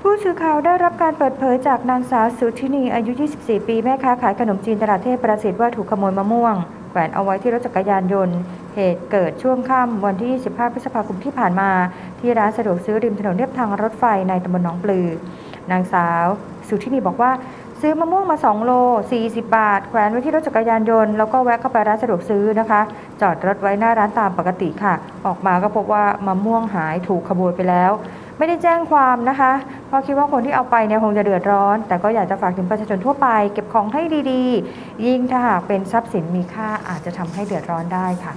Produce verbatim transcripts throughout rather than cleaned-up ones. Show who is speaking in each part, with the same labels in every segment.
Speaker 1: ผู้สื่อข่าวได้รับการเปิดเผยจากนางสาวสุธินีอายุ ยี่สิบสี่ ปีแม่ค้าขายขนมจีนตลาดเทพประสิทธิ์ว่าถูกขโมยมะม่วงแขวนเอาไว้ที่รถจักรยานยนต์เหตุเกิดช่วงค่ำวันที่ สิบห้า พฤษภาคมที่ผ่านมาที่ร้านสะดวกซื้อริมถนนเลียบทางรถไฟในตำบลหนองปลือนางสาวสุธินีบอกว่าซื้อมะม่วงมาสองโลสี่สิบบาทแขวนไว้ที่รถจักรยานยนต์แล้วก็แวะเข้าไปร้านสะดวกซื้อนะคะจอดรถไว้หน้าร้านตามปกติค่ะออกมาก็พบว่ามะม่วงหายถูกขโมยไปแล้วไม่ได้แจ้งความนะคะเพราะคิดว่าคนที่เอาไปเนี่ยคงจะเดือดร้อนแต่ก็อยากจะฝากถึงประชาชนทั่วไปเก็บของให้ดีๆยิ่งถ้าหากเป็นทรัพย์สินมีค่าอาจจะทำให้เดือดร้อนได้ค่ะ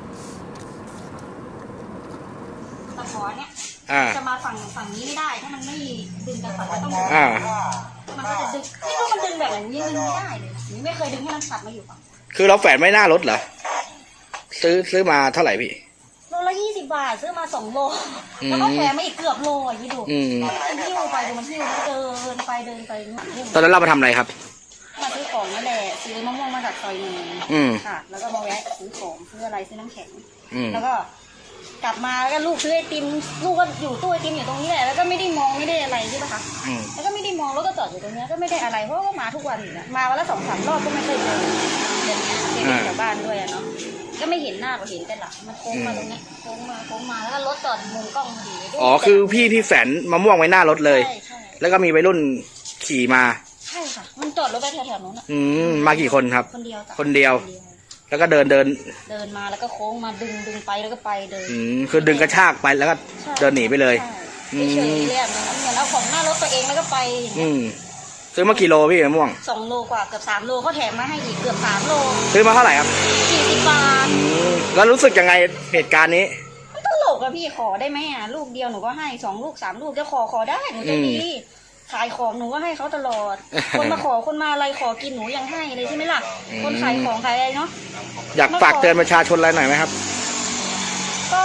Speaker 2: ตะขอเนี่ยจะมาฝั่งฝั่งนี้ไม่ได้ถ้ามันไม่ดึงกันฝั่งก็ต้องมันก็จะดึงไม่รู้มันดึงแบบอย่างนี้ดึงไม่ได้เลยนี่ไม่เคยดึงให้มันสัตว์มาอยู่ฝั่ง
Speaker 3: คือเราแฝนไม่หน้ารถเหรอซื้อซื้อมาเท่าไหร่พี่
Speaker 2: โลละยี่สิบบาทซื้อมาสองโลแล้วก็แถมมาอีกเกือบโลอ่ะยี่ดูมันหิ้วไปดูมันหิ้วมันเดินไปเดินไป
Speaker 3: ตอนนั้นเรามาทำอะไรครับ
Speaker 2: มาซื้อของนั่นแหละซื้อมะม่วงมาจากซอยหนึ่งค่ะแล้วก็มาแวะซื้อของซื้ออะไรซื้อน้ำแข็งแล้วก็กลับมาแล้วก็ลูกซื้อไอติมลูกก็อยู่ตู้ไอติมอยู่ตรงนี้แหละแล้วก็ไม่ได้มองไม่ได้อะไรใช่ปะคะแล้วก็ไม่ได้มองแล้วก็จอดอยู่ตรงนี้ก็ไม่ได้อะไรเพราะว่ามาทุกวันอยู่นะมาวันละสองสามรอบก็ไม่เคยเจอเดินเดินแถวบ้านด้วยเนาะก็ไม่เห็นหน้าก็เห็นแต่หลังมันโค้งมาตรงนี้โค้งมาโค้งมาแล้วก็รถจอดมุมกล้องพอดี
Speaker 3: อ๋อคือพี่พี่แฝนมะม่วงไว้หน้ารถเลย
Speaker 2: ใช่ใช่
Speaker 3: แล้วก็มีวัยรุ่นขี่มา
Speaker 2: ใช่ค่ะมันจอดรถไปแถวๆนู้นอ่ะ
Speaker 3: อืมมากี่คนครับ
Speaker 2: คนเดียว
Speaker 3: คนเดียวแล้วก็เดินเดิน
Speaker 2: เดินมาแล้วก็โค้งมาดึงดึงไปแล้วก็ไปเดิน
Speaker 3: อืมคือดึงกระชากไปแล้วก็เดินหนีไปเลย
Speaker 2: เฉยๆเลยอ่ะเหมือนเอาของหน้ารถตัวเองแล้วก็ไป
Speaker 3: อืมซื้อมากี่โลพี่มะม่วง
Speaker 2: สองโลกว่าเกือบสามโลเขาแถมมาให้อีกเกือบสามโล
Speaker 3: ซื้อมาเท่าไหร่ครับ
Speaker 2: สี่สิบบาท
Speaker 3: แล้วรู้สึกยังไงเหตุการณ์นี้
Speaker 2: มันตลกอะพี่ขอได้ไหมอะลูกเดียวหนูก็ให้สองลูกสามลูกจะขอขอได้หนูจะดีขายของหนูก็ให้เขาตลอดคนมาขอคนมาอะไรขอกินหนูยังให้เลยใช่ไหมล่ะคนขายของขายอะไรเนาะ
Speaker 3: อยากฝากเตือนประชาชนอะไรหน่อยไหมครับ
Speaker 2: ก็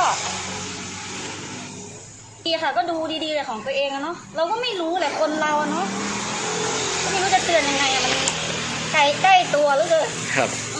Speaker 2: ดีค่ะก็ดูดีๆเลยของตัวเองอะเนาะเราก็ไม่รู้แหละคนเราเนาะก็ไม่รู้จะเตือนยังไงอะมันใกล้ใกล้ตัวหรือเปล่า
Speaker 3: ครับ